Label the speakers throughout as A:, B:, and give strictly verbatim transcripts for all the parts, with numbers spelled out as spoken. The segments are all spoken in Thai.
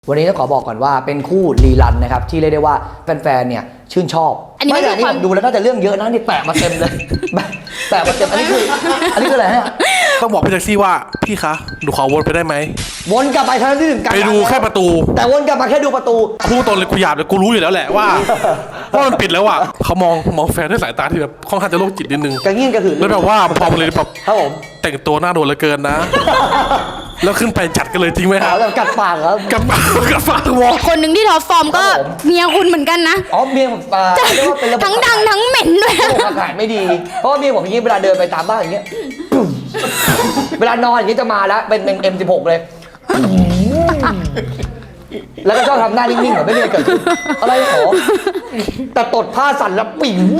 A: วันนี้ต้องขอบอกก่อนว่าเป็นคู่รีรันนะครับที่เรียกได้ว่าแฟนๆเนี่ยชื่นชอบอันนี้ไม่ใช่ความดูแล้วน่าจะเรื่องเยอะนะนี่แปะมาเต็มเลยแปะมาเต็มอันนี้คืออันนี้คืออะไรฮะ
B: ต้องบอกพี่แท็กซี่ว่าพี่คะดูขอวนไปได้ไหม
A: วนกลับไปครั้งที่หนึ่ง
B: ไปดูแค่ประตู
A: แต่วนกลับมาแค่ดูประตู
B: พูดตรงเลยกูหยาบเลยกูรู้อยู่แล้วแหละว่าว่ามันปิดแล้วอ่ะเขามองมองแฟนด้วยสายตาที่แบบค่อนข้างจะโรคจิตนิดนึง
A: กระเงี้ยนกระหืน
B: แล้วแบบว่าพอมาเลยแบบ
A: ครับผม
B: แต่งตัวหน้าโดนเหลือเกินนะแล้วขึ้นไปจัดกันเลยจริงไหมครับ
A: กัดปากครับ
B: กัดปากกัดปากวอ
C: คนหนึ่งที่ท็อปฟอร์มก็เมียคุณเหมือนกันนะ
A: อ๋อเมียผมเรียกว่าเป็นระบบ
C: ทั้งดังทั้งเหม็นด้วย
A: ระบบอากาศไม่ดีเพราะว่าเมียผมอย่างนี้เวลาเดินไปตามบ้านอย่างเงี้ยเวลานอนอย่างนี้จะมาแล้วเป็นเป็น เอ็ม สิบหก เลยแล้วก็ชอบทำหน้านิ่งๆเหมือนไม่มีอะไรเกิดขึ้นอะไรขอแต่ตดผ้าสั่นแล้วปิ๋ว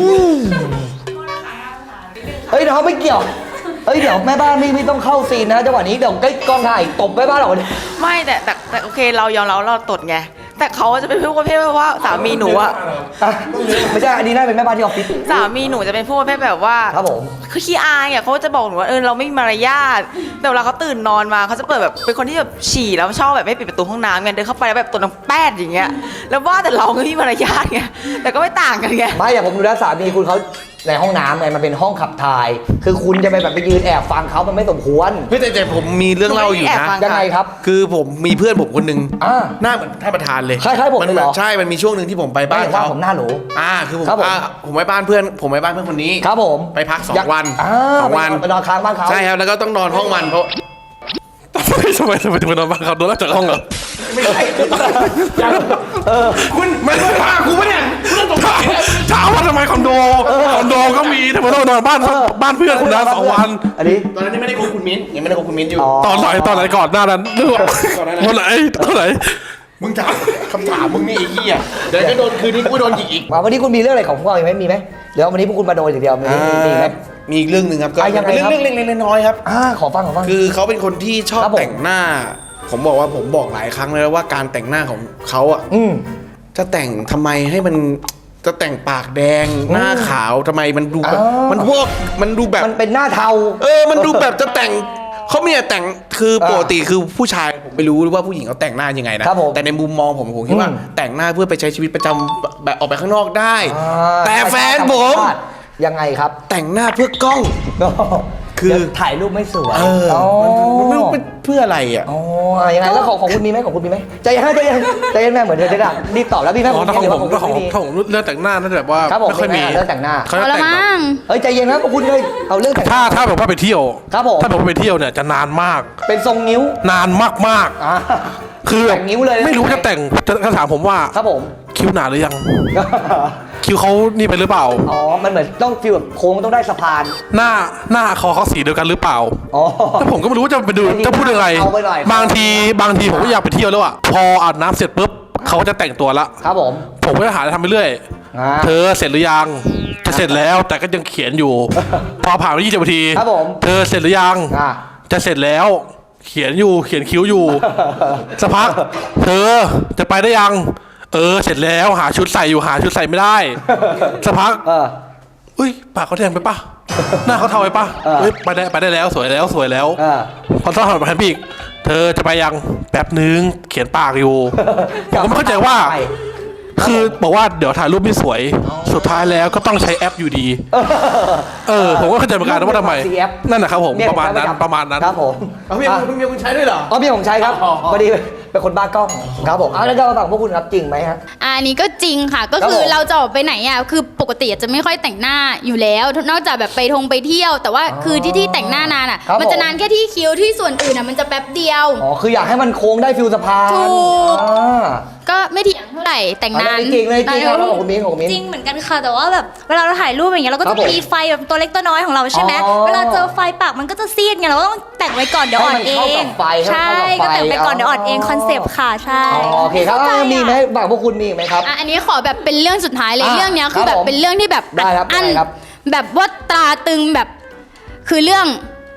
A: เฮ้ยน้องไม่เกี่ยวเฮ้ยเดี๋ยวแม่บ้านไม่ไม่ต้องเข้าซีนนะจังหวะนี้เดี๋ยวใกล้กองถ่ายตบแม่บ้านหรอก
D: ไม่แต่แต่แต่โอเคเรายอมรับเราตดไงแต่เขาจะเป็นผู้ประเภทว่าสามีหนูอะ
A: ไม่ใช่อันนี้น่าเป็นแม่บ้านที่ออฟฟิศ
D: สามีหนูจะเป็นผู้ประเภทแบบว่า
A: ครับผม
D: คือขี้อายอ่ะเขาจะบอกหนูว่าเออเราไม่มีมารยาทแต่เวลาเขาตื่นนอนมาเขาจะเปิดแบบเป็นคนที่แบบฉี่แล้วชอบแบบไม่ปิดประตูห้องน้ำไงเดินเข้าไปแล้วแบบตัวน้ำแป้ดอย่างเงี้ยแล้วว่าแต่เราไม่มีมารยาทไงแต่ก็ไม่ต่างกันไง
A: ไม่อย่างผมดูแลสามีคุณเขาในห้องน้ำไงมันเป็นห้องขับถ่ายคือคุณจะไปแบบไปยืนแอบฟังเขามันไม่สมควร
B: พี่แต่แต่ผมมีเรื่องเล่าอยู่นะ
A: ยังไงครับ
B: คือผมมีเพื่อนผมคนนึงหน้าเหมือนท่านประธานเลย
A: คล้ายๆผมเลยเหรอ
B: ใช่มันมีช่วงหนึ่งที่ผมไปบ้านเขา
A: ผมหน้าหนู
B: อ่าคือผมผมไปบ้านเพื่อนผมไปบ้านเพื่อนคนนี้
A: ครับผม
B: ไปพักสองวันสองวัน
A: ไปนอนค้างบ้านเขา
B: ใช่ครับแล้วก็ต้องนอนห้องมันเพราะทำไมทำไมทำไมถึงไปนอนบ้านเขาโดนไล่จากห้องเหรอไม่ใช่เออคุณไม่ได้พากูปะเนี่ยถามว่าทำไมคอนโดคอนโดก็มีทำไมต้องนอนบ้านบ้านเพื่อนคุณนะสองวัน
A: อันนี้
B: ตอนนั้นไม่ได้คบคุณมิ้นยังไม่ได้คบคุณมิ้นอยู่
A: ต
B: อนไหนตอนไหนก่อนหน้านั้นนึกว่าตอนไหนตอนไหนมึงถามคำถามมึงนี่ไอ้เหี้ยเดี๋ยวจะโดนคืนนี้กูโดนยิงอีก
A: วันนี้คุณมีเรื่องอะไรของพวกเราไหมมีไหมเดี๋ยววันนี้พวกคุณมาโดนอย่างเดียวมีมีไหม
B: มีอีกเรื่องหนึ่งครับก็เป็นเรื่องเล็กๆน้อยๆครับ
A: อ่าขอฟังขอฟัง
B: คือเขาเป็นคนที่ชอบแต่งหน้าผมบอกว่าผมบอกหลายครั้งเลยว่าการแต่งหน้าของเขาอ่ะจะแต่งทำไมให้มันจะแต่งปากแดงหน้าขาวทำไมมันดูแบบมันพวกมันดูแบบ
A: มันเป็นหน้าเทา
B: เออมันดูแบบจะแต่งเขาไม่แต่งคือปกติคือผู้ชายผมไม่รู้ว่าผู้หญิงเขาแต่งหน้ายังไงนะแต่ในมุมมองผมผมคิดว่าแต่งหน้าเพื่อไปใช้ชีวิตประจำแบบออกไปข้างนอกได้แต่แฟนผม
A: ยังไงครับ
B: แต่งหน้าเพื่อกล้อง
A: คือถ่ายรูปไม่สวย
B: เออมันไม่รู้เพื่ออะไรอ่ะ
A: อ๋อยังไงแล้วของของคุณมีไหมของคุณมีไหมใจเย็นใจเย็นใจเย็นแม่เหมือนเธอจะด่ารีบตอบแล้วพี่แม่
B: ของผมของผมของผมเรื่องแต่งหน้านั่นแบบว่าไม่ค่อยมี
A: เรื่องแต่งหน้า
C: เขาละมั้ง
A: เฮ้ยใจเย็นนะคุณเลยเอาเรื่องแต่ง
B: ถ้าถ้าแบบว่าไปเที่ยว
A: ครับผม
B: ถ้าแบบว่าไปเที่ยวเนี่ยจะนานมาก
A: เป็นทรงนิ้วน
B: านมากมากคือ
A: แต่งนิ้วเลย
B: ไม่รู้จะแต่งจะถามผมว่า
A: ครับผม
B: คิ้วหนาหรือยังคิ้วเขานี่ไปหรือเปล่า
A: อ๋อมันเหมือนต้องฟิลแบบโค้งต้องได้สะพาน
B: หน้าหน้าคอเขาสีเดียวกันหรือเปล่า
A: อ๋อ
B: ถ้าผมก็ไม่รู้ว่าจะไปดูจะพูดยังไงบางทีบางทีผมก็อยากไปเที่ยวแล้วอ่ะพออาบน้ำเสร็จปุ๊บเขาจะแต่งตัวละ
A: ครับผม
B: ผมก็จะหาอะไรทำไปเรื่อยเธอเสร็จหรือยังจะเสร็จแล้วแต่ก็ยังเขียนอยู่พอผ่านไปยี่สิบนาที
A: ครับผม
B: เธอเสร็จหรือยังจะเสร็จแล้วเขียนอยู่เขียนคิ้วอยู่สักพักเธอจะไปได้ยังเออเสร็จแล้วหาชุดใส่อยู่หาชุดใส่ไม่ได้สักพักอุ้ยปากเขาแดงไปปะหน้าเขาเทาไปปะเฮ้ยไปได้ไปได้แล้วสวยแล้วสวยแล้วพอต้องหันมาแทนพี่อีกเธอจะไปยังแป๊บนึงเขียนปากอยู่ผมก็ไม่เข้าใจว่าคือบอกว่าเดี๋ยวถ่ายรูปไม่สวยสุดท้ายแล้วก็ต้องใช้แอปอยู่ดีเออผมก็เข้าใจเหมือนกันว่าทำไมนั่นแหละครับผมประมาณนั้นประมาณนั้น
A: ครับผม
B: เอาพี่คุณมีคุณใช้ด้วยเหรอ
A: อ๋อพี่ผมใช้ครับพอดีเป็นคนบ้ากล้องครับผมเอาแล้วก็ฝั่งพวกคุณครับจริงไหมฮะ
C: อันนี้ก็จริงค่ะก็คือเราจะออกไปไหนอ่ะคือปกติจะไม่ค่อยแต่งหน้าอยู่แล้วนอกจากแบบไปทงไปเที่ยวแต่ว่าคือที่ที่แต่งหน้านานอ่ะมันจะนานแค่ที่คิ้วที่ส่วนอื่นอ่ะมันจะแป๊บเดียว
A: อ๋อคืออยากให้มันโค้งได้ฟิลสะพาน
C: ถูกก็ไม่เถียงเท่าไหร่แต่งนาน
A: จริงเลยจริงครับของคุณมิ้นของมิ้น
E: จริงเหมือนกันค่ะแต่ว่าแบบเวลาเราถ่ายรูปอย่างเงี้ยเราก็จะมีไฟแบบตัวเล็กตัวน้อยของเราใช่ไหมเวลาเจอไฟปากมันก็จะซีดไงเราก็ต้องแต่งไว้ก่อนเดี๋ยวอ่อนเองใช่ก็แต่งไปก่อนเดี๋ยวอ่อนเองคอนเซปต์ค่ะใช่
A: โอเคครับมีไหมบางพวกคุณมีไหมครับ
C: อันนี้ขอแบบเป็นเรื่องสุดท้ายเลยเรื่องนี้คือแบบเป็นเรื่องที่แบบอันแบบว่าตราตึงแบบคือเรื่อง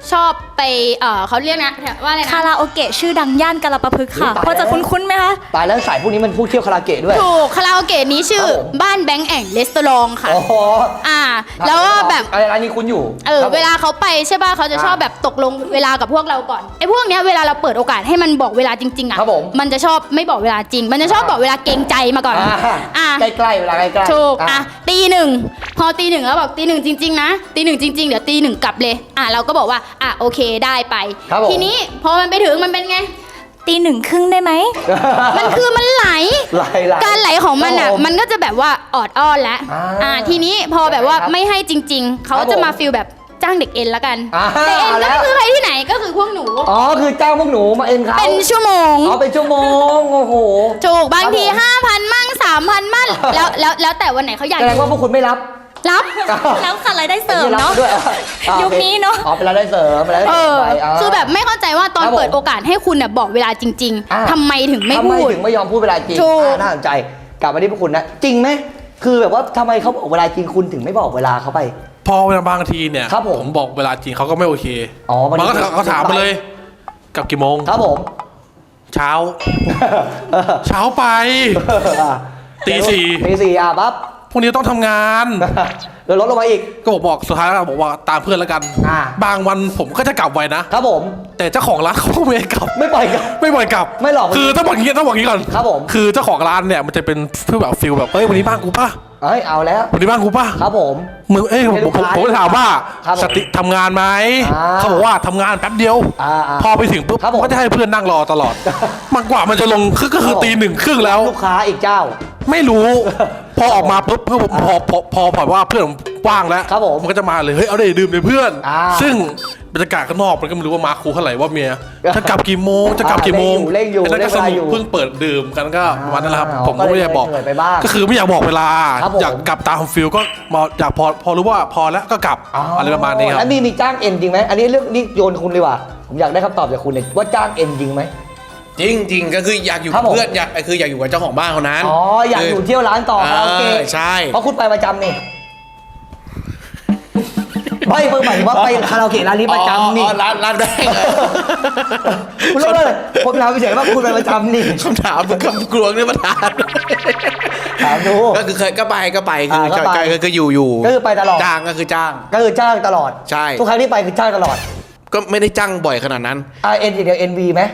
C: ชอบไปเออเขาเรียกนะว่าอะไรนะ
E: คาราโอเกะชื่อดังย่านกาลปะพฤกษ์ค่ะ
A: ตายแล้ว
E: พอจะคุ้นๆไหมคะ
A: ตายแล้วสายพวกนี้มันพูดเที่ยวคาราเกะด้วย
C: ถูกคาราโอเกะนี้ชื่อ
A: ครับผม
C: บ้านแบงค์แองเลสตอรองค่ะ
A: โอ้โห
C: อ่า แล้วก็แบบ
A: อะไรร้านนี้คุณอยู่
C: เออ
A: ครับผม
C: เวลาเขาไปใช่ป่ะเขาจะชอบ
A: อ่า
C: แบบตกลงเวลากับพวกเราก่อนไอ้พวกเนี้ยเวลาเราเปิดโอกาสให้มันบอกเวลาจริงๆอ่ะ
A: ครับผม
C: มันจะชอบไม่บอกเวลาจริง มันจะชอบบอกเวลาเกรงใจมาก่อน
A: อ่า
C: อ่า
A: ใกล้ๆเวลาใกล้ๆ
C: ถูก
A: อ่ะ
C: อ่ะตีหนึ่งพอตีหนึ่งแล้วบอกตีหนึ่งจริง ๆ นะตีหนึ่งจริง ๆ เดี๋ยวตีหนึ่งกลับเลยอ่ะเราก็บอกว่าอ่ะโอเคได้ไป
A: ครับผม
C: ทีนี้พอมันไปถึงมันเป็นไง
E: ตีหนึ่งครึ่งได้ไหม
C: มันคือมันไหล
A: ไหลไหล
C: การไหลของมันอ่ะ
A: ครับผม
C: มันก็จะแบบว่าออดอ้อนแล้ว
A: อ่า
C: อ่าทีนี้พอแบบว่า
A: ครับ
C: ไม่ให้จริง ๆ เขา
A: ครับ
C: จะมา
A: ผม
C: ฟิลแบบจ้างเด็กเอ็นละกัน
A: อ่า
C: เด็กเอ็น
A: เอาแล้
C: ก็
A: ว
C: คือใครที่ไหนก็คือพวกหนู
A: อ๋อคือเจ้าพวกหนูมาเอ็นเขา
C: เป็นชั่วโมง
A: อ๋อเป็นชั่วโมงโอ้โห
C: ถูกบางที
A: ครับผม
C: ห้าพันมั่งสามพันมั่งแล้วแล้วแล้วแต่วันไหนเขาอยาก
A: แสดงว่าพวกคุณไม่รับ
C: รับ
E: แล้วค่ะรายได้เสริมเนาะ
A: ไรับด้วยอ่อ่ะ
E: ยุคนี้เนอะ
A: อ๋อเป็นรายได้เสริมเป็นรายได้
C: เอ
A: เสริม
C: อ
A: ไปา
C: คือแบบไม่เข้าใจว่าตอน
A: ครับผม
C: เปิดโอกาสให้คุณน่ะบอกเวลาจริง
A: อ่า
C: ๆทำไมถึงไม่
A: ทำไม
C: พูด
A: ถึงไม่ยอมพูดเวลาจริง
C: ถูก
A: อ่าน่าสนใจกลับมาที่พวกคุณนะจริงไหมคือแบบว่าทำไมเขาบอกเวลาจริงคุณถึงไม่บอกเวลาเขาไป
B: พอเวลาบางทีเนี่ย
A: ครับผม
B: บอกเวลาจริงเขาก็ไม่โอเค
A: อ๋อมัน
B: มันก็เขาถามมาเลยกลับกี่โมง
A: ครับผม
B: เช้า เช้าไป ตีสี่
A: ตีสี่อ่ะปั๊บ
B: พรุ่งนี้ต้องทำงาน
A: เดี๋ยวลดลงมาอีก
B: ก็บอกบอกสุดท้ายแล้วบอกว่าตามเพื่อนแล้วกัน
A: อ่า
B: บางวันผมก็จะกลับไวนะ
A: ครับผม
B: แต่เจ้าของร้านเขาก็ไม่ให้กลับ
A: ไม่ปล่อยกัน
B: ไม่ปล่อยกลับ
A: ไม่หรอก
B: คือต้องบอกอย่างนี้ต้องบอกอย่างนี้ก่อน
A: ครับผม
B: คือเจ้าของร้านเนี่ยมันจะเป็นเพื่อแบบฟิลแบบเอ้ยวันนี้บ้านกูป่ะ
A: เอ้ยเอาแล้ว
B: วันนี้บ้านกูป่ะ
A: ครับผม
B: มึงเอ้ยผมผมผมผมก็ถามว่า
A: ครับผม
B: สติทำงานไหม
A: อ่า
B: เขาบอกว่าทำงานแป๊บเดียว
A: อ่าอ่า
B: พอไปถึงปุ๊บ
A: ครับผม
B: ก็จะให้เพื่อนนั่งรอตลอด มันกว่ามันจะลงคือก็คือ
A: ครับผม
B: ตีหนึ่งครึ่งแล้ว
A: ลูกค้าอีกเจ้า
B: ไม่รู้ พอออกมาปุ๊บเพื่อนผมพอพอพอพอว่าเพื่อนผมว่างแล้ว
A: ครับผม
B: มันก็จะมาเลยเฮ้ยเอาได้ดื่มเลยเพื่อน
A: อ่า
B: ซึ่งบรรยากาศข้างนอกมันก็ไม่รู้ว่ามาครูเท่าไหร่ว่าเมียจะกลับกี่โมงจะกลับกี่โมง
A: เร่งอยู่
B: ไอ้นั่นก็ส
A: เร่งเวลา
B: นุ
A: อยู่
B: กเพิ่งเปิดดื่มกันก็วันนั้นแหละครับ
A: อ่า
B: ผมก็ไม่ได้บอก
A: ก็เลยเหนื่อยไปบ้าง
B: ก็คือไม่อยากบอกเวลา
A: ครับผม
B: อยากกลับตามฟิลก็มาอยากพอพอรู้ว่าพอแล้วก็กลับอะไรประมาณนี้ครับ
A: แล้วมีมีจ้างเอ็นจริงไหมอันนี้เรื่องนี่โยนคุณเลยว่ะผมอยากได้คำตอบจากคุณเลยว่าจ้างเอ็นจริงไหม
F: จริงจริงก็คืออยากอยู่
A: ครั
F: กั
A: บบ ผม
F: เพื่อนอยากคืออยากอยู่กับเจ้าของบ้านคนนั้น
A: อ๋ออยากอยู่เที่ยวร้านต่อคาราโอเกะ
F: เออใช่
A: เพราะคุณไปประจำนี่ไม่เพิ่งหมายถึงว่าไปคาราโอเกะร้านนี้ประจำนี่
F: อ๋อร้านร้านแรก
A: คุณรู้เลยผมถามเฉยๆว่าคุณไปประจำนี่
F: คำถามมึงคำกลวงเนี่ยประธาน
A: ถามดู
F: ก็คือเคยก็ไปก็ไปคือ
A: อ่าก็ไป
F: ก็คืออยู่อยู่
A: ก็คือไปตลอด
F: จ้างก็คือจ้าง
A: ก็คือจ้างตลอด
F: ใช่
A: ทุกครั้งที่ไปคือจ้างตลอด
F: ก็ไม่ได้จ้างบ่อยขนาดนั้น
A: อ่าเอ็นอย่างเดียวเอ็นวีไหม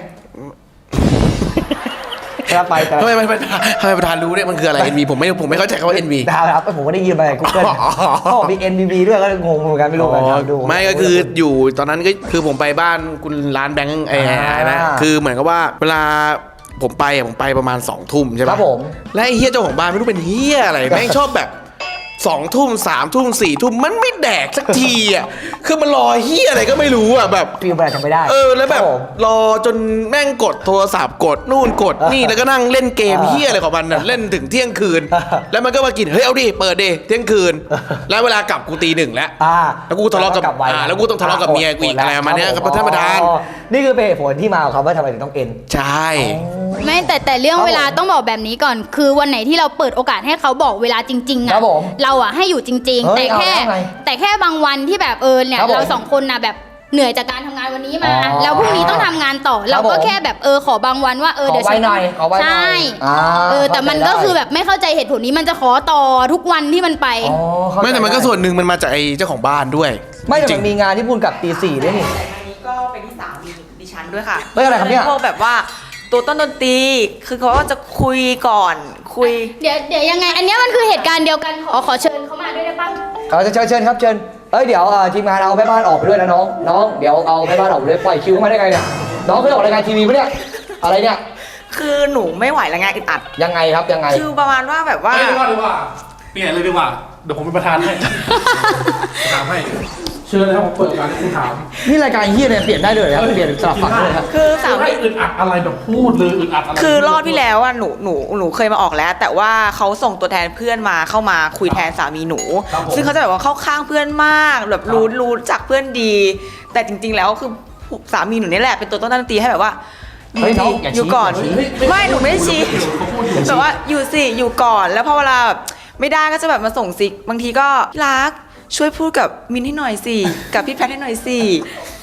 A: ครับไปแต่
F: ทำไมทำไมทำไมประธานรู้เนี่ยมันคืออะไร เอ็น วี ผมไม่ผมไม่เข้าใจคำว่า เอ็น วี
A: ดาวครับผมก็ได้ยินมาจากกูเกิล
F: อ๋อ
A: เขาบอกมี เอ็น วี บี ด้วยก็งงเหมือนกันไม่รู้เหมือนกันดู
F: ไม่ก็คืออยู่ตอนนั้นก็คือผมไปบ้านคุณร้านแบงค์ไอ้
A: อ่า
F: นะคือเหมือนกับว่าเวลาผมไปอะผมไปประมาณสองทุ่มใช่
A: ค
F: ปะ
A: รับผม
F: และไอ้เฮียเจ้าของบ้านไม่รู้เป็นเฮียอะไร แม่งชอบแบบสองทุ่มสามทุ่มสี่ทุ่มมันไม่แดกสักทีอ่ะคือมันรอเฮียอะไรก็ไม่รู้อ่ะแบบ
A: ฟิลแบบทำไม่ได้
F: เออแล้วแบบ
A: ครับผม
F: รอจนแม่งกดโทรศัพท์กดนู่นกดนี่แล้วก็นั่งเล่นเกม
A: อ่า
F: เฮียอะไรของมันน่ะเล่นถึงเที่ยงคืน
A: อ่า
F: แล้วมันก็มากินเฮ้ยเอาดิเปิดดิเที่ยงคืน แล้วเวลากลับกูตีหนึ่งแล้ว
A: อ่า
F: แล้วกูทะเลาะกับ
A: ลับไ
F: อ่าแล้วกูต้องทะเลาะกับเมียกูอีกอะไรประมาณเนี้ยครับท่านประธาน
A: อ๋อนี่คือเป็นเหตุผลที่มาของคำว่าทำไมถึงต้องเอ็น
F: ใช่
C: ไม่แต่แต่เรื่อง
A: ครับผม
C: เวลาต้องบอกแบบนี้ก่อน คือวันไหนที่เราเปิดโอกาสให้เขาบอกเวลาจริงๆ
A: ครั
C: อ่ะ
A: บผม
C: เราอ่ะให้อยู่จริง
A: เฮ้
C: ๆ
A: ย
C: แต่แค่
A: เอาแล้วไง
C: แต่แค่บางวันที่แบบเออเนี่ย
A: ครับผม
C: เราสองคนนะแบบเหนื่อยจากการทำงานวันนี้มา
A: อ๋อ
C: แล้วพรุ่งนี้ต้องทำงานต่อ
A: ครั
C: เรา
A: บผม
C: ก็แค่แบบเออขอบางวันว่าเออ
A: ขอ
C: เดี๋ยว
A: ไว้
C: ฉัน
A: หน่อยขอไว้หน่อย
C: ใช่
A: อ่า
C: เออแต่มันก็
A: เข้าใจได้
C: คือแบบไม่เข้าใจเหตุผลนี้มันจะขอต่อทุกวันที่มันไป
A: อ๋อเข้าใจ
F: ไม่แต่มันก็
A: ด้
F: ส่วนหนึ่งมันมาจากไอ้เจ้าของบ้านด้วย
A: ไม่แต่
F: จริ
A: มั
F: ง
A: นมีงานที่พูดกับตีสี่ด้วยนี่
D: แต่อันนี้ก็เป็นที่สามีดิฉันด้วยค่ะ
A: เฮ้ยอะไรครับเนี่ย
D: พวกแบบว่าตัวต้นดนตรีคือเขาก็จะคุยก่อนคุย
C: เดี๋ยวเดี๋ยวยังไง อันเนี้ยมันคือเหตุการณ์เดียวกันขอขอเชิญเขามาด้วยได้ปะ
A: เอาเชิญเชิญครับเชิญเอ้ยเดี๋ยวเอ่อทีมงานเอาแม่บ้านออกไปด้วยนะน้องน้องเดี๋ยวเอาแม่บ้านออกไปด้วยปล่อยคิวเข้ามาได้ไงเนี่ยน้องเคยออกรายการทีวีปะเนี่ยอะไรเนี่ย
D: คือหนูไม่ไหวแล้วไงอึดอัด
A: ยังไงครับยังไง
D: คือประมาณว่าแบบว่า
B: ไม่ดีกว่าดีกว่าเปลี่ยนเลยดีกว่าเดี๋ยวผมเป็นประธานให้ถามให้เชิญนะครับผมเปิดการให้คุณถาม
A: นี่รายการเฮียเนี่ยเปลี่ยนได้เลยครับเปลี่ยนสลับฝั่งเลยครับ
D: คือสามี
B: ให้อึดอัดอะไรแบบพูดเลยอึดอัดอะไร
D: คือรอบที่แล้วอ่ะหนูหนูหนูเคยมาออกแล้ว แต่ว่าเขาส่งตัวแทนเพื่อนมาเข้ามาคุยแทนสามีหนู ซึ่งเขาจะแบบว่าเข้าข้างเพื่อนมากแบบรู้รู้จักเพื่อนดี แต่จริง ๆ แล้วคือสามีหนูนี่แหละเป็นตัวต้นดนตรีให้แบบว่า
A: เฮ้ยน้องอย่าชี้
D: อยู่ก่อน
A: อย่าชี้
D: ไม่หนูไม่ได้ชี้แต่ว่าอยู่สิอยู่ก่อนแล้วพอเวลาแบบไม่ได้ก็จะแบบมาส่งซิกบางทีก็รักช่วยพูดกับมินให้หน่อยสิกับพี่แพทให้หน่อยสิ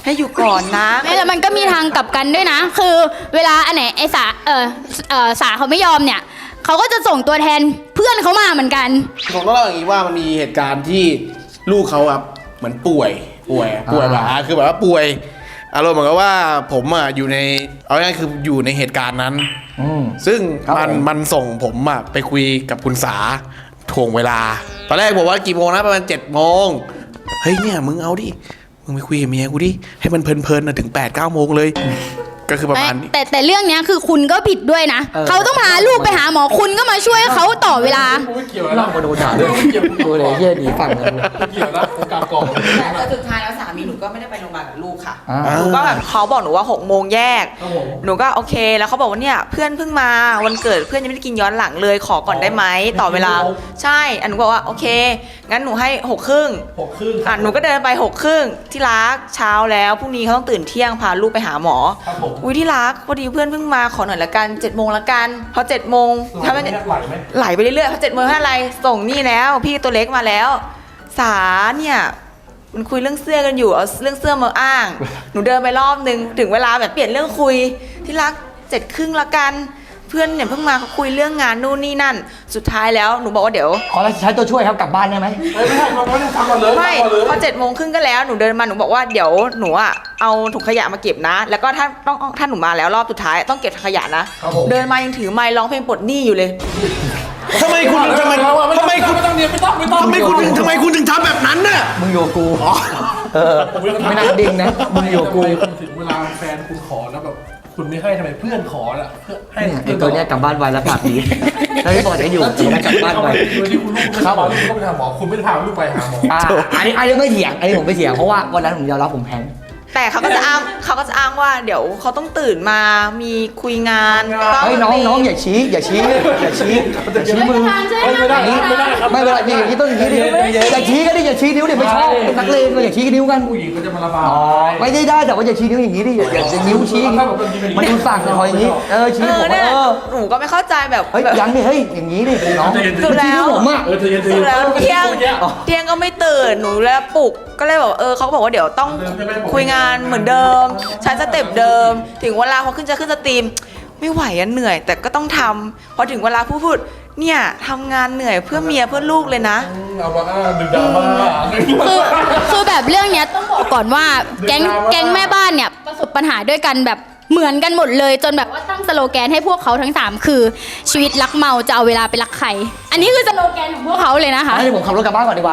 D: ให้อยู่ก่อนนะ
C: ไม่แต่มันก็มีทางกลับกันด้วยนะ คือเวลาอันไหนไอสาเออเออสาเขาไม่ยอมเนี่ยเขาก็จะส่งตัวแทนเพื่อนเขามาเหมือนกัน
F: ผมต้องเล่าอย่างนี้ว่ามันมีเหตุการณ์ที่ลูกเขาครับเหมือนป่วยป่วยป่วยแบบอ่าคือแบบว่าป่วยอารมณ์เหมือนกับว่าผมอ่ะอยู่ในเอาง่ายๆคืออยู่ในเหตุการณ์นั้น
A: อืม
F: ซึ่ง
A: ครับ
F: มัน
A: ผม
F: มันส่งผมอะไปคุยกับคุณสาถ่วงเวลา ตอนแรกบอกว่ากี่โมงนะประมาณเจ็ดโมงเฮ้ยเนี่ยมึงเอาดิมึงไปคุยกับเมียกูดิให้มันเพลินๆนะถึงแปดเก้าโมงเลย ก็คือประมาณนี้
C: แต่แต่เรื่องเนี้ยคือคุณก็ผิดด้วยนะ
A: เออ
C: เขาต้องพาลูกไปหาหมอคุณก็มาช่วยเขาต่อเวลา
B: ไม่เกี่ยว
A: ล่างมาโดนด่าด้วยดูเลยเยี่ยหนีฝั่งเลย
B: ไม่เกี่ยวนะผมกลับก่อน
D: แต่สุดท้ายแล้วสามีหนูก็ไม่ได้ไปโรงพยาบาลกับลูกค่ะ
A: อ่า
D: หนูก็แบบเขาบอกหนูว่าหกโมงแยก
B: ครับผม
D: หนูก็โอเค แล้วเขาบอกว่าเนี่ยเพื่อนเพิ่งมาวันเกิดเพื่อนยังไม่ได้กินย้อนหลังเลยขอก่อนได้ไหมต่อเวลา ใช่อันหนูบอกว่าโอเค งั้นหนูให้หกครึ่ง
B: หกครึ่ง
D: อ่ะหนูก็เดินไปหกครึ่งที่รักเช้าแล้วพรุ่งนี้เขาต้องตื่นเที่ยงพาลูกไปหาหมอ
B: ครับผม
D: อุ้ยที่รักพอดีเพื่อนเพิ่งมาขอหน่อยละกันเจ็ดโมงละกันพอเจ็ดโมงถ้ามัน
B: ไหลไหม
D: ไหลไปเรื่อยๆพอเจ็ดโมงเท่าไรส่งนี่แล้ว พี่ตัวเล็กมาแล้ว สาเนี่ยมันคุยเรื่องเสื้อกันอยู่เอาเรื่องเสื้อมาอ้าง หนูเดินไปรอบนึงถึงเวลาแบบเปลี่ยนเรื่องคุยที่รักเจ็ดครึ่งละกัน เพื่อนเนี่ยเพิ่งมาเขาคุยเรื่องงานนู่นนี่นั่น สุดท้ายแล้วหนูบอกว่าเดี๋ยว
A: ขอใช้ตัวช่วยครับกลับบ้านได้ไหม
B: เฮ้ยไม่ใช่เราไม่ได้ทำก่อนเลย
D: ไม่
B: ทำก่อนเลย
D: พอเจ็ดโมงครึ่งก็แล้วหนูเดินมาหนูบอกว่าเดี๋ยวหนูอ่ะเอาถุงขยะมาเก็บนะ แล้วก็ถ้าต้องถ้าหนูมาแล้วรอบสุดท้ายต้องเก็บขยะนะ เดินมายังถือไมค์ร้องเพลงปลดหนี้อยู่เลย
F: ทำไมคุณทำไมทำไมคุณ
B: ไม่ต้องเรียนไม่ต้องไม่ต้อง
F: ทำไมคุณถึงทำไมคุณถึงทำแบบนั้นน่ะ
A: มึงอยู่กับกูเออไม่น่าดิ้งนะมึงอยู่กับกู
B: ถึงเวลาแฟนคุณขอแล้วแบบคุณไม่ให้ทำไมเพื่อนขอน่ะเพื่อให้
A: เนี่ยไอ้ตัวเนี้ยกลับบ้านไวแล้วปากดีแล้วที่บอกจะอยู่จริงนะกลับบ้านไว
B: โดยที่คุณลูกไม่พาลูกต้องไปหาหมอคุณไม่ได้พาลูกไปหาหมอ
A: อ่าอันนี้อันนี้ไม่เถียงอันนี้ผมไม่เถียงเพราะว่าวันนั้นผมยอมรับผมแพ้
D: แต่เขาก็จะอ้างเขาก็จะอ้างว่าเดี๋ยวเขาต้องตื่นมามีคุยงานต้อง
A: เฮ้ยน้องน้องอย่าชี้อย่าชี้อย่าชี้อย่าชี้มือ
B: ไม่ได้ไม่ได้ครับ
A: ไม่เป็นไรนี่อย่างนี้ต้องอย่างนี้ดิอย่าชี้ก็ดิอย่าชี้นิ้วดิไม่ชอบเป็นนักเลงก็อย่าชี้นิ้วกัน
B: ผู้หญิงก็จะมาระบาย
A: ไม่ได้ได้แต่ว่าอย่าชี้นิ้วอย่างนี้ดิอย่าอย่าอย่านิ้วชี้อย่างนี้มันดูสั่งคอยอย่างนี้เออชี้
D: เอ
A: ผ
D: อ
A: ม
D: เนี่ย
A: เออ
D: หนูก็ไม่เข้าใจแบบ
A: เฮ้ย
D: แบบ
A: ยังดิเฮ้ยอย่างนี้ดิน้อง
D: สุดแล้ว
A: ชี้นิ้ผมอ่ะ
B: เออเธอเย็นเธอ
D: สุ
B: เย็
D: ด
B: น
D: แล้วเที่ยงเที่ยงก็ไม่ตื่นหนูแล้วปลุกก็เลยบอกเออเขาก็บอกว่าเดี๋ยวต้องคุยงานเหมือนเดิมใช้สเต็ปเดิม ถึงเวลาพอขึ้นจะขึ้นสตรีมไม่ไหวอะเหนื่อย แต่ก็ต้องทำพอถึงเวลาพูดพูดเนี่ยทำงานเหนื่อยเพื่อเมียเพื่อลูกเลยนะ
B: เอามาอ้างดึงดราม่า
C: คือคือแบบเรื่องเนี้ยต้องบอกก่อนว่าแก๊งแก๊งแม่บ้านเนี่ยประสบปัญหาด้วยกันแบบเหมือนกันหมดเลยจนแบบว่าตั้งสโลแกนให้พวกเขาทั้งสามคือชีวิตรักเมาจะเอาเวลาไปรักใคร อันนี้คือสโลแกนของพวกเขาเลยนะคะ
A: ให้ผมขับรถกลับบ้านก่อนดีกว่า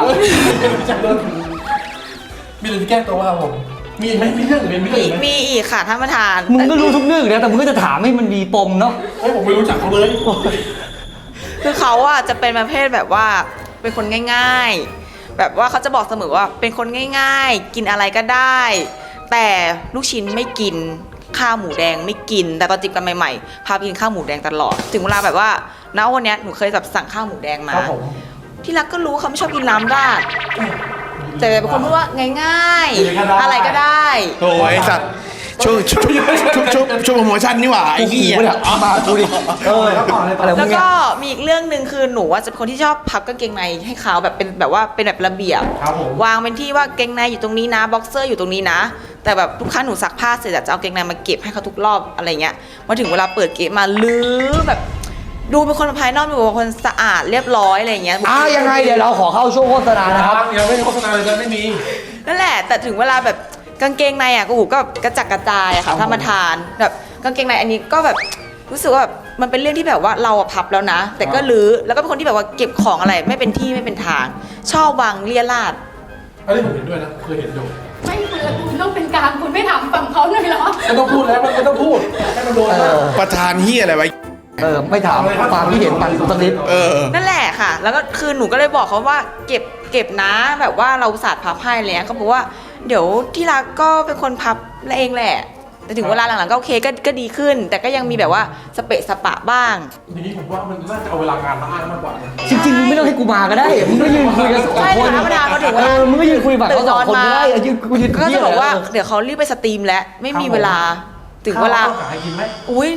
B: มีอะไรที่แก้ตัวว่าผมมีไหมมีเรื่องหรือไม่มีเรื่องไหม
D: มีอีกค่ะท่านประธาน
A: มึงก็รู้ทุกเรื่องนะแต่มึงก็จะถามให้มันมีปมเนาะ
B: เฮ้ยผมไม่รู้จักเขาเลย
D: คือเขาอะจะเป็นประเภทแบบว่าเป็นคนง่าย ๆ แบบว่าเขาจะบอกเสมอว่าเป็นคนง่าย ๆ กินอะไรก็ได้ แต่ลูกชิ้นไม่กินข้าวหมูแดงไม่กิน แต่ตอนจีบกันใหม่ๆพาไปกินข้าวหมูแดงตลอด ถึงเวลาแบบว่าณวันเนี้ยหนูเคยแบบสั่งข้าวหมูแดงมา
A: ครับผม
D: ที่รักก็รู้เขาไม่ชอบกินน้ำราดแต่เป็นคนพูดว่าง่ายๆ อะไรก็ได้
F: โอ้ยไอ้สัตว์ช่วงช่วงช่วงช่วงช่วงโปรโมชั่นนี่หว่าไอ้
A: กู
F: เหี้ย
A: ขู่เนี่ยเอามากูดิเอออะไรมึ
D: แล้ว
A: งเนี่ย
D: ก็มีอีกเรื่องหนึ่งคือหนูว่าจะเป็นคนที่ชอบพับกางเกงในให้เขาแบบเป็นแบบว่าเป็นแบบระเบียบ
B: ครับผม
D: วางเป็นที่ว่าเกงในอยู่ตรงนี้นะบ็อกเซอร์อยู่ตรงนี้นะ แต่แบบทุกครั้งหนูซักผ้าเสร็จอะจะเอาเกงในมาเก็บให้เขาทุกรอบอะไรเงี้ยมาถึงเวลาเปิดเก็บมาลื้อแบบดูเป็นคนภายนอกดูเป็นคนสะอาดเรียบร้อยอะไรเงี้ย
A: อ้าวยังไงเดี๋ยวเราขอเข้าช่วงโฆษณานะครับ
B: ยังไม่มีโฆษณาเลยนะไม่มี
D: นั่นแหละแต่ถึงเวลาแบบกางเกงในอะก็หูก็กระจัดกระจายอะค่ะท่านประธานแบบกางเกงในอันนี้ก็แบบรู้สึกว่าแบบมันเป็นเรื่องที่แบบว่าเราอะพับแล้วนะ แต่ก็ลื้อแล้วก็เป็นคนที่แบบว่าเก็บของอะไรไม่เป็นที่ไม่เป็นทาง ชอบวางเลี่ยราด
B: อันนี้ผมเห็นด้วยนะเคยเห็นอยู่
C: ไม่คุณละคุณต้องเป็นกลางคุณไม่ถามฝั่งเขาหน่อยเหรอ
B: ไม่ต้องพูดแล้วไม่ต้องพูดให้มันโดน
A: เออ
F: ประธานเหี้ยอะไรไว้
A: เออไม่ถามความที่เห็นมันกูสักนิด
F: เออ
D: นั่นแหละค่ะ แล้วก็คือหนูก็เลยบอกเขาว่าเก็บเก็บนะแบบว่าเราศาสตร์พับให้อะไรเลยเขาบอกว่าเดี๋ยวที่รักก็เป็นคนพับเองแหละ แต่ถึงเวลาหลังๆก็โอเคก็ก็ดีขึ้น แต่ก็ยังมีแบบว่าสเปะสปะบ้าง
B: อย่างนี้ผมว่ามันน่าจะเอาเวลางานมาอ้างมากกว่านะ
A: จริงๆมึงไม่ต้องให้กูมาก็ได้มึงก็ยืนคุยกันสอง
D: ใช่
A: คน
D: ธรรมดาเขาถึง
A: เอ
D: ว่า
A: อมึงก็ยืนคุยแบบเขาสองคนก็ได้เออยืนกูยืน
D: ก็
A: เที่ย
D: จะ
A: ว
D: บอกว่า
A: เออ
D: เดี๋ยวเขารีบไปสตรีมแล้วไม่มีเวลาถึงเวลา
B: ข้ต้องหาให้กินไหม
D: อุ้ย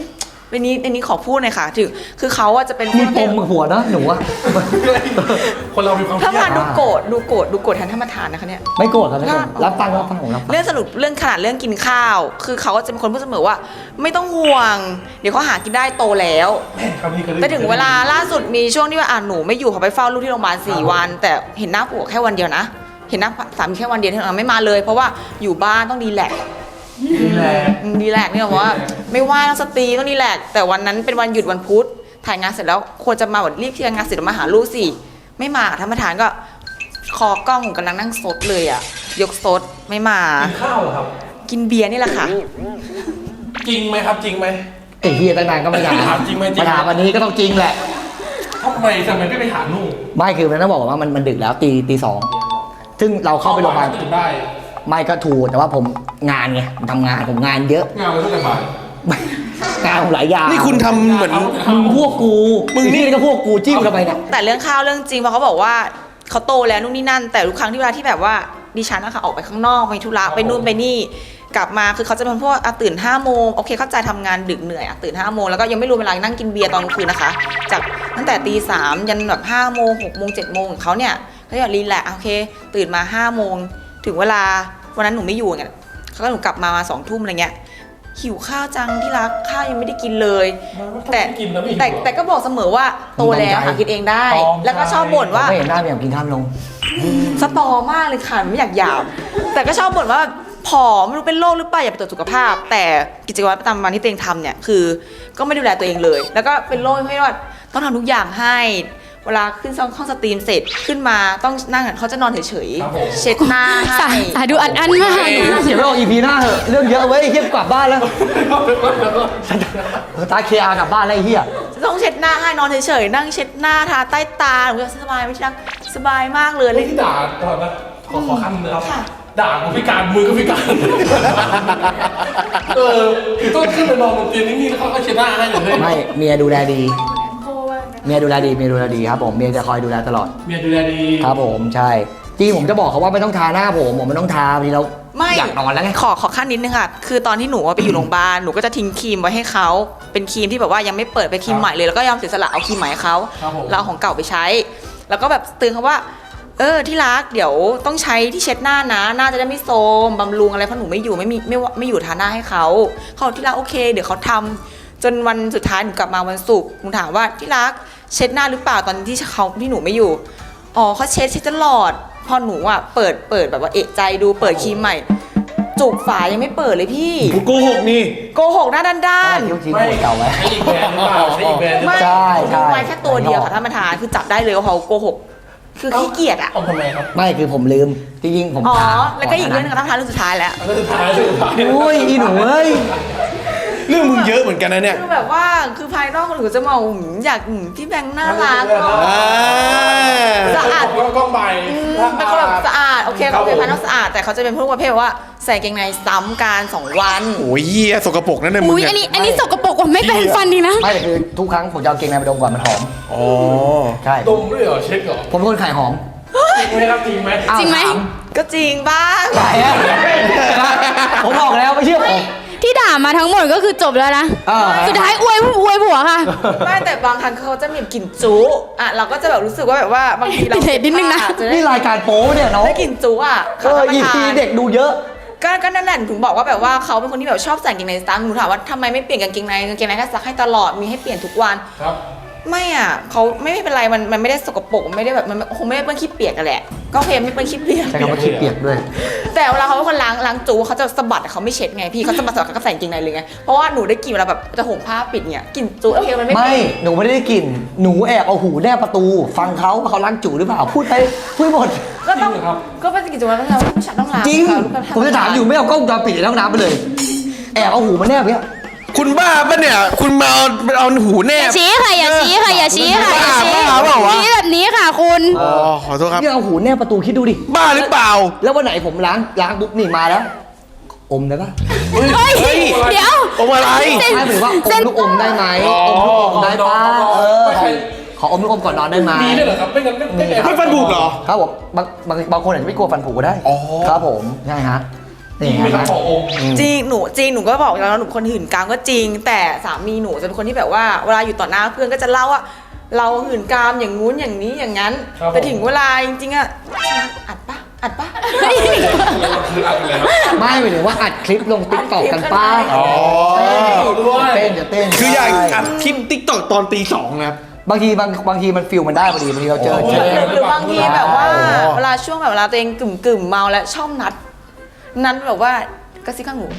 D: อันนี้อันนี้ขอพูดหน่อยค่ะถึงคือเขาอะจะเป็น
A: มีปมหัวนะหนูอะ
B: คนเรามีความเค
D: ถ้า
B: รีย
D: มา
B: ด
D: ดูโกรธดูโกรธดูโกรธแทนท่านประธานนะคะเนี่ย
A: ไม่โกรธครับไม่โกรธรับฟังรับฟังผมรับฟัง
D: เรื่องสรุปเรื่องขนาดเรื่องกินข้าว คือเขาก็จะเป็นคนพูดเสมอว่า ไม่ต้องห่วง เดี๋ยวเขาหากินได้โตแล้ว
B: ครับพี่ก็ได้
D: แต่ถึงเวลาล่าสุดมีช่วงที่ว่าอ่าหนูไม่อยู่เขาไปเฝ้าลูกที่โรงพยาบาลสี่วัน แต่เห็นหน้าผัวแค่วันเดียวนะ เห็นหน้าสามีแค่วันเดียวที่เราไม่มาเลย เพราะว่าอยู่บ้านต้องดีแลกซ์
B: นี่แหละ
D: อืมดีแลกซ์เนี่ยบอกว่าไม่ว่าต้องสตรีต้องดีแลกซ์แต่วันนั้นเป็นวันหยุดวันพุธถ่ายงานเสร็จแล้วควรจะมาแบบรีบเคลียร์งานเสร็จแล้วมาหาลูกสิไม่มาท่านประธานก็คอกล้องกำลังนั่งซดเลยอ่ะยกซดไม่มา
B: กินข้าวเหรอครับ
D: กินเบียร์นี่แหละค่ะ
B: จริงไหมครับจริงไหม
A: ไอ้เฮียตั้งนานก็ไม่ถาม
B: ถามจริงไหมจริง
A: มาถามวันนี้ก็ต้องจริงแหละ
B: ทำไมทำไมไม่ไปหาลูก
A: ไม่คือมันต้องบอกว่ามันมันดึกแล้วตีตีสองซึ่งเราเข้าไปโรงพยาบาล
B: ตื่นได้
A: ไม่ก็ถูกแต่ว่าผมงานไงผมทำงานผมงานเยอะ
B: งานมันตั้งแต่บ่าย
A: งานผมหลายอย่าง
F: นี่คุณทำเหมือน
A: มึงพวกกูมึงนี่ก็พวกกูจิ้มกันไปเนี่ย
D: แต่เรื่องข้าวเรื่องจริงเพราะเขาบอกว่าเขาโตแล้วนู่นนี่นั่น แต่ทุกครั้งที่เวลาที่แบบว่าดิฉันนะคะออกไปข้างนอกไปธุระไปนู่นไปนี่ กลับมาคือเขาจะเป็นพวกอ่ะตื่นห้าโมงโอเคเข้าใจทำงานดึกเหนื่อยอ่ะตื่นห้าโมงแล้วก็ยังไม่รวมเวลานั่งกินเบียร์ตอนกลางคืนนะคะ จากตั้งแต่ตีสามยันแบบห้าโมงหกโมงเจ็ดโมงของเขาเนี่ยเขาจะรีแลกซ์โอเค ตื่นมาห้าโมงถึงเวลาวันนั้นหนูไม่อยู่ไงเขาก็หนูกลับมามาสองทุ่มอะไรเงี้ยหิวข้าวจังที่รักข้าวยังไม่ได้กินเลย แต่
B: กินแล้วไม่หิว
D: แต่แต่ก็บอกเสมอว่าโตแล้วหากินเองได้ แล้วก็ชอบบ่นว่า
A: ไม่เห็นหน้าไม่อยากกินข้าวลง
D: สตอมากเลยค่ะไม่อยากหยาบแต่ก็ชอบบ่นว่าผอมไม่รู้เป็นโรคหรือเปล่าอยากไปตรวจสุขภาพ แต่กิจวัตรประจำวันที่ตัวเองทำเนี่ยคือก็ไม่ดูแลตัวเองเลย แล้วก็เป็นโรคให้ว่าต้องทำทุกอย่างให้เวลาขึ้นห้องสตรีมเสร็จขึ้นมาต้องนั่งเขาจะนอนเฉยๆเช็ดหน้า
C: สา
D: ให้
C: สาดูอัดอั้นมาก
A: เสียไปออกอีพีหน้าเหอะเรื่องเยอะเว้ยเฮียกลับบ้านแล้วตาเคอากลับบ้านแล้วไอ้เฮีย
D: ต้องเช็ดหน้าให้นอนเฉยๆนั่งเช็ดหน้าทาใต้ตาหนูจะสบายไม่ใช่นะสบายมากเลย
B: เรื่องที่ด่าตอนนั้นขอขอขั้นนึงครับ
D: ค่ะ
B: ด่ากูพิการมือก็พิการเออคือต้องขึ้นไปนอนบนเตียงนิ่งๆแล้วเขาก็เช็ดหน้าให้อย่างเงี้ย
A: ไม่เมียดูแลดีเมียดูแลดีเมียดูแลดีครับผมเมียจะคอยดูแลตลอด
B: เมียดูแลดี
A: ครับผมใช่จริงผมจะบอกเขาว่าไม่ต้องทาหน้าผมผมไม่ต้องทาบางทีเรา
D: ไม่
A: อยากนอนแล้วไง
D: ขอขอขั้นนิดนึงค่ะ คือตอนที่หนูอะไปอยู่โรงพยาบาล หนูก็จะทิ้งครีมไว้ให้เขา เป็นครีมที่แบบว่ายังไม่เปิดเป็นครีมใหม่เลย แล้วก็ยอมเสียสละเอาครีมใหม่ให้เขา
B: ครับผม
D: เราเอาของเก่าไปใช้ แล้วก็แบบเตือนเขาว่า เออที่รักเดี๋ยวต้องใช้ที่เช็ดหน้านะ หน้าจะได้ไม่โทรมบำรุงอะไรเพราะหนูไม่อยู่ไม่มีไม่ว่าไม่อยู่ทาหน้าให้เขาเขาบอกที่รักโอเค เดี๋ยวเขาทำจนวันสุดท้ายหนูกลับมาวันศุกร์หนูถามว่าที่รักเช็ดหน้าหรือเปล่าตอนที่เขาที่หนูไม่อยู่ อ๋อเขาเช็ดเช็ดตลอด พอหนูอ่ะเปิดเปิดแบบว่าเอะใจดูเปิดครีมใหม่ จุกฝายังไม่เปิดเลยพี่
F: กูโกหกนี่
D: โกหกหน้าด้านด้าน
A: คิ้วทิ้งหัวเก่าไว้
B: ใช้อีกแบรนด์หรือเปล่าใช้อีกแบรนด์หรือเปล่า
A: ใช่ใช่
D: ไว้แค่ตัวเดียวค่ะท่านประธานคือจับได้เลยว่าเขาโกหก คือขี้เกียจอ่ะ
B: เอาทำไมครับ
A: ไม่คือผมลืมจริงๆผม
D: อ๋อ
A: ทา
D: แล้วก็อีกเรื่องหนึงค่ะท่านประธานเรื่องสุดท้ายแล้ว
B: เรื่องสุดท้ายเรื่องสุดท้าย
A: โอ้ยอีหนูเอ้ย
F: เรื่องมึงเยอะเหมือนกันนะเนี่ย
D: คือแบบว่าคือภายนอกคนอื่นจะมองหืมอยากหืมพี่แบงค์น่ารักเนอะ
F: อ่า
D: สะอาด
B: แล้วก็ใบ
D: อืมเป็นคนแบบสะอาดโอเคเขาเป็นภายนอกสะอาดแต่เขาจะเป็นพวกประเภทว่าใส่กางเกงในซ้ำกันสองวัน
F: โอ้ยเหี้ยสกปรกนั่นเลยมึง
C: อุ้ย
F: เนี่ย
C: อันนี้อันนี้สกปรกกว่าไม่แปรงฟันดีนะ
A: ไม่แต่คือทุกครั้งผมจะเอาเกงในไปดมก่อนมันหอม
F: อ๋อ
A: ใช่
B: ดมด้วยเหรอเช็คเหรอ
A: ผมเป็นคนขายหอม
B: จริงไหมครับจริงไหม
A: อ้าว
C: จริงไหม
A: ถา
D: ก็จริงบ้าง
A: ขายอะผมบอกแล้วไม่เชื่อผม
C: ที่ด่ามาทั้งหมดก็คือจบแล้วนะ
A: เออ
C: สุดท้ายอวยอวยผัวค่ะ
D: ไม่แต่บางครั้งเขาจะมีกลิ่นจุอ่ะเราก็จะแบบรู้สึกว่าแบบว่าบางทีเรา
C: เด็ดนิดนึงนะ
D: จะได้
A: นี่รายการโป๊เนี่ยน้อง
D: ได้กลิ่นจุอ่ะ
A: เออ
D: ท่านประ
A: อี
D: ธาน
A: พีเด็กดูเยอะ
D: ก็ก็นั่นแหละถึงบอกว่าแบบว่าเขาเป็นคนที่แบบชอบใส่กางเกงในซ้ำหนูถามว่าทำไมไม่เปลี่ยนกางเกงในกางเกงในก็ซักให้ตลอดมีให้เปลี่ยนทุกวัน
B: ครับ
D: ไม่อ่ะเขาไม่ไม่เป็นไรมันมันไม่ได้สกปรกไม่ได้แบบมันคงไม่ได้เปื้อนขี้เปียกกันแหละก็โอเคไม่เปื้อนขี้เปียก
A: ใช้คำว่าขี้เปียกด้วย
D: แต่เวลาเขาเป็นคนล้างล้างจูเขาจะสะบัดแต่เขาไม่เช็ดไงพี่เขาสะบัดสะบัดเขาก็ใส่กางเกงในเลยไงเพราะว่าหนูได้กลิ่นเวลาแบบจะห่มผ้าปิดเนี่ยกลิ่นจูโอเคมันไม่
A: ไม่
D: เป็น
A: หนูไม่ได้กลิ่น หนูแอบเอาหูแนบประตู ฟังเขาว่าเขาล้างจู่หรือเปล่า พูดไปพูดหมด
D: ก็ต้อง
B: จริงเหรอครับ
D: ก็เป็นกิจวัตรประจำวันผู้ชายต้องล้าง
A: จริง
D: ค่ะลูกค้
A: ผมจะถามอยู่ไม่เอากล้องวงจรปิดในห้องน้ำไปเลย แอบเอาหูมาแนบเนี่ย
F: คุณบ้าปะเนี่ย คุณมาเอาเอาหูแน
C: อย่า
F: บ
C: ชี้ค่ะอย่าชี้ค่ะอย่าชี้ค่ะอย่าชี้
F: บ้าเปล่าวะ
C: ชี้แบบนี้ค่ะคุณ
F: อ๋อ ขอโทษครับ
A: เนี่ยเอาหูแนบประตูคิดดูดิ
F: บ้าหรือเปล่า
A: แล้ววันไหนผมล้างล้างปุ๊บนี่มาแล้ว อมได้ปะ
C: เฮ้ย เดี๋ยว
F: อมอะไร
A: ไม่หรือว่าอมลูกอมได้ไหมอมลูกอมได้ปะเออขอขออมลูกอมก่อนนอนได้ไหม
B: มีด้วยเหรอครับไม่งั้นไม่ไม่
F: ไม่ฟันผุเหรอ
A: ครับผมบางบางบางคนอาจจะไม่กลัวฟันผุก็ได้
F: อ๋อ
A: ครับผมใช่ฮะนี่เห็นไหม
D: จริงหนูจริงหนูก็บอกแล้วหนูเป็นคนหื่นกามก็จริง แต่สามีหนูจะเป็นคนที่แบบว่าเวลาอยู่ต่อหน้าเพื่อนก็จะเล่าว่าเราหื่นกามอย่างงู้นอย่างนี้อย่างนั้นแต่ถึงเวลาจริงๆอะอัดปะอัดปะ
A: ไม่หมายถึงว่าอัดคลิปลงติ๊กต็อกกันป้า
F: อ๋อ
A: เต้นจะเต้น
F: คืออยากอัดคลิปติ๊กต็อกตอนตีสองนะครับ
A: บางทีบางบางทีมันฟิลมันได้พอดีบางทีเราเจอเจอ
D: หรือบางทีแบบว่า
F: อ๋อ
D: เวลาช่วงแบบเวลาตัวเองกึ่มกึ่มๆเมาแล้วชอบนัด นัดแบบว่ากระซิบข้างหู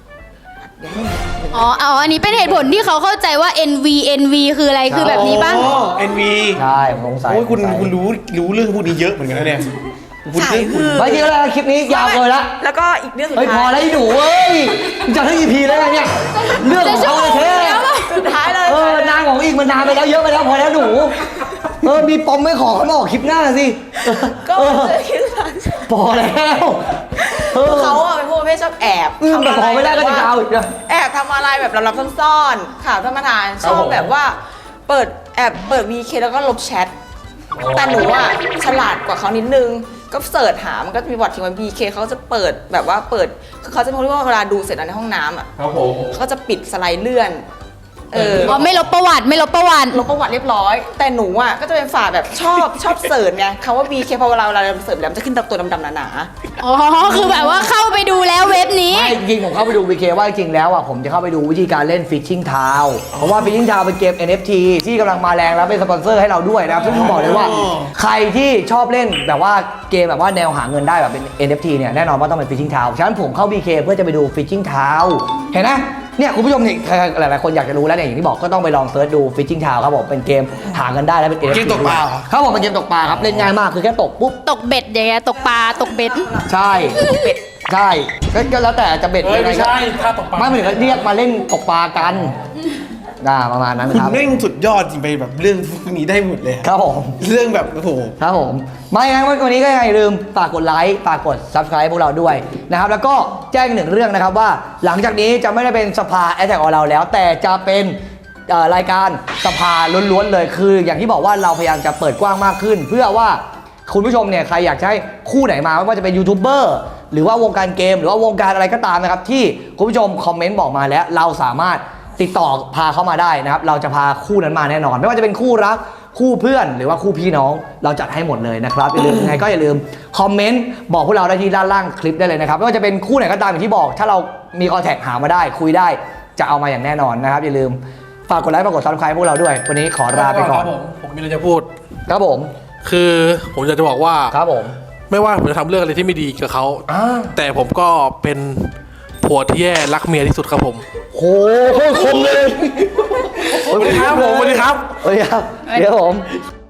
C: อ๋ออ๋ออันนี้เป็นเหตุผลที่เขาเข้าใจว่า เอ็น วี เอ็น วี คืออะไรคือแบบนี้ป่ะ
F: อ๋อ เอ็น วี
A: ใช่ผมสงสัย
F: โอ้ยคุณ
A: สงสัย
F: คุณรู้รู้เรื่องพวกนี้เยอะเหมือนกันนะเนี่ยคุณ
D: สายหื่น
A: ไม่จริงแล้วคลิปนี้ยาวเลยละ
D: แล้วก็อีกเรื่องสุด
A: เฮ้ยพอ
D: ท้าย
A: แล้วไอ้หนูเว้ยมึงจะให้ อี พี แล้วไงเนี่ยเรื่องของเขาเลยเท่
D: สุดท้ายเลย
A: เออนางของอีกมันนานไปแล้วเยอะไปแล้วพอแล้วหนูเออมีปมไม่ขอเขามาออกคลิปหน้าสิ
D: ก็
A: เออ
D: เจอคิดว่า
A: พอแล้วเออ
D: เขาอะเป็นพวกประเภทชอบแอบ
A: อืมแต่พอไม่ได้ก็จะยาวอีกนะ
D: แอบทำอะไรแบบลับๆซ่อนๆข่าวท่านประธานชอบแบบว่า เปิดแอบเปิด วี เค แล้วก็ลบแชทแต่หนูอะฉลาดกว่าเขานิดนึงก็เสิร์ชหามันก็จะมีบอททิ้งไว้ วี เค เขาจะเปิดแบบว่าเปิดคือเขาจะพูดว่าเวลาดูเสร็จแล้วในห้องน้ำอะ
F: ครับผม
D: เขาจะปิดสไลด์เลื่อน เออ
C: อ๋อไม่ลบประวัติไม่ลบประวัติ
D: ลบประวัติเรียบร้อย แต่หนูอ่ะก็จะเป็นฝ่ายแบบชอบชอบเสิร์ชไงคำว่า บี เค พอเวลาเวลาเราเสิร์ชแล้วมันจะขึ้นตัวดำๆหนา
C: อ๋อ คือแบบว่าเข้าไปดูแล้วเว็บนี้
A: ไม่จริงๆผมเข้าไปดู วี เค ว่าจริงๆแล้วอ่ะผมจะเข้าไปดูวิธีการเล่น Fishing Town เพราะว่า Fishing Town เป็นเกม เอ็น เอฟ ที ที่กำลังมาแรงแล้วเป็นสปอนเซอร์ให้เราด้วยนะครับซึ่งผมบอกเลยว่า ใครที่ชอบเล่นแบบว่าเกมแบบว่าแนวหาเงินได้แบบเป็น เอ็น เอฟ ที เนี่ยแน่นอนว่าต้องเป็น Fishing Town ฉะนั้นผมเข้า บี เค เพื่อจะไปดู Fishing Town เห็นไหมเนี่ยคุณผู้ชมเนี่ยหลายๆคนอยากจะรู้แล้วเนี่ยอย่างที่บอกก็ต้องไปลองเซิร์ชดู Fishing Town ครับผมเป็นเกมหาเงินได้แล้วเป็น เอ็น เอฟ ที
F: เกมตกปลาเหรอ
A: ครับผมเป็นเกมตกปลาครับเล่นง่ายมากคือแค่ตกปุ๊บ
C: ตกเบ็ดอย่างเงี้ยตกปลาตกเบ็ด
A: ใช่ใช่ก็ก็แล้วแต่จะเบ็ด
B: เฮ้ย
A: ยังไง
B: ไม่
A: ก็
B: ใช่ถ้าตกปลา
A: ไม่เหมือนกับเรียกมาเล่นตกปลากันน่าประมาณนั้น
F: คุณ
A: ครับ
F: แม่งสุดยอดจริงไปแบบเรื่องพวกนี้ได้หมดเลย
A: ครับผม
F: เรื่องแบบโอ้โห
A: ครับผมไม่งั้นวันนี้ก็อย่าลืมฝากกดไลค์ฝากกด Subscribe พวกเราด้วยนะครับแล้วก็แจ้งหนึ่งเรื่องนะครับว่าหลังจากนี้จะไม่ได้เป็นสภาแอ t แทกของเราแล้ว แต่จะเป็นเอ่อรายการสภาล้วนๆเลยคือ อย่างที่บอกว่าเราพยายามจะเปิดกว้างมากขึ้น เพื่อว่าคุณผู้ชมเนี่ยใครอยากจะให้คู่ไหนมาไม่ว่าจะเป็นยูทูบเบอร์หรือว่าวงการเกม หรือว่าวงการอะไรก็ตามนะครับที่คุณผู้ชมคอมเมนต์บอกมาแล้วเราสามารถติดต่อพาเข้ามาได้นะครับเราจะพาคู่นั้นมาแน่นอน ไม่ว่าจะเป็นคู่รักคู่เพื่อนหรือว่าคู่พี่น้องเราจัดให้หมดเลยนะครับอย่าลืมยังไงก็อย่าลืมคอมเมนต์บอกพวกเราได้ที่ด้านล่างคลิปได้เลยนะครับไม่ว่าจะเป็นคู่ไหนก็ตามอย่างที่บอก ถ้าเรามีคอนแทคหามาได้คุยได้จะเอามาอย่างแน่นอนนะครับอย่าลืมฝากกดไลค์ฝากกดซับสไครป์พวกเราด้วยวันนี้ขอลาไปก่อน
B: ครับผมผมมีอะไรจะพูด
A: ครับผม
B: คือผมอยากจะบอกว่า
A: ครับผม
B: ไม่ว่าผมจะทำเรื่องอะไรที่ไม่ดีกับเขา
A: อ่า
B: แต่ผมก็เป็นผัวที่แย่รักเมียที่สุดครับผม
A: โหโคตรคมเลย
B: สวัสดีครับผมสวัสดีครับ
A: สวัสดีครับเดี๋ยวผม